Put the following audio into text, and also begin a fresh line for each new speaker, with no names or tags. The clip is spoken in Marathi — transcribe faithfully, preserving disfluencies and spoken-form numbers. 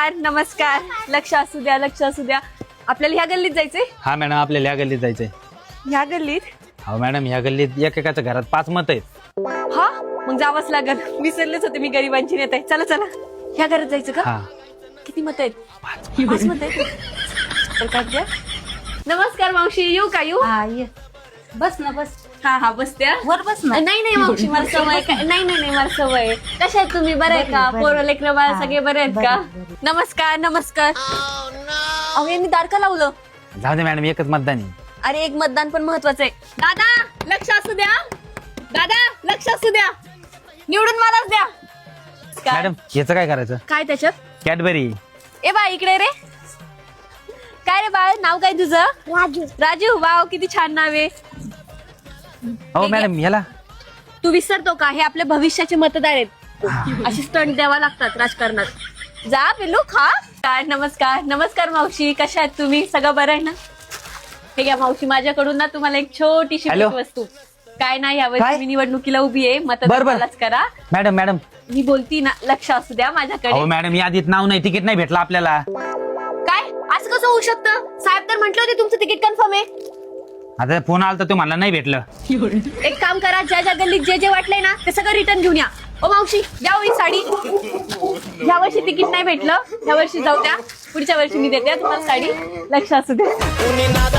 नमस्कार नमस्कार. लक्ष असू द्या लक्ष असू द्या. आपल्याला ह्या गल्लीत जायचंय.
हा मॅडम आपल्याला ह्या गल्लीत जायचंय.
ह्या गल्लीत?
हो मॅडम ह्या गल्लीत एकेकाच्या घरात पाच मत आहेत.
हा मग जावंच लागल. विसरलेच होते मी गरिबांची नेते. चला चला ह्या घरात जायचं का?
हा
किती मत आहेत? पाच मत आहेत. तर काय द्या. नमस्कार मावशी. येऊ का येऊ?
हा ये बस ना बस.
हा हा बसत्या
वर बस ना.
नाही नाही मावशी मला सवय का- नाही नाही नाही मला सवय. कशा आहेत तुम्ही? बरे आहे का?
बरे,
पोरं लेकरं बाळ
हा,
सगळे बरे आहेत का?
बरे, बरे.
नमस्कार नमस्कार. अहो यांनी दार का लावलं?
जाऊ दे मॅडम एकच मतदान आहे.
अरे एक मतदान पण महत्वाचं आहे. दादा लक्ष असू द्या. दादा लक्ष असू द्या. निवडून मलाच द्या. काय?
मॅडम याचं काय करायचं?
काय त्याच्यात?
कॅडबरी.
ए बा इकडे रे. काय रे बाळ नाव काय तुझं?
राजू.
राजू. वाव किती छान नाव आहे.
हो मॅडम याला
तू विसरतो का? हे आपल्या भविष्याचे मतदार आहेत.
हा.
अशी स्टंट द्यावा लागतात राजकारणात. जा पिल्लू खा. काय नमस्कार नमस्कार मावशी. कशा आहेत तुम्ही? सगळं बरं आहे ना? हे घ्या मावशी माझ्याकडून ना तुम्हाला एक छोटीशी
हॅलो.
वस्तू. काय नाही यावर्षी
काय?
मी निवडणुकीला उभी आहे.
बर,
मतदान
बर.
मलाच करा.
मॅडम मॅडम
मी बोलती ना लक्ष असू द्या माझ्याकडे.
हो मॅडम यादीत नाव नाही तिकीट नाही भेटलं आपल्याला.
काय असं कसं होऊ शकतं? साहेब तर म्हटलं होते तुमचं तिकीट कन्फर्म आहे.
आता फोन आला तर तो मला नाही भेटलं.
एक काम करा ज्या ज्या गल्लीत जे जे वाटलंय ना ते सगळं रिटर्न घेऊन या. ओ मावशी द्या हो ही साडी. ह्या वर्षी तिकीट नाही भेटलं. ह्या वर्षी जाऊ द्या. पुढच्या वर्षी मी देते तुम्हाला साडी. लक्ष असू द्या.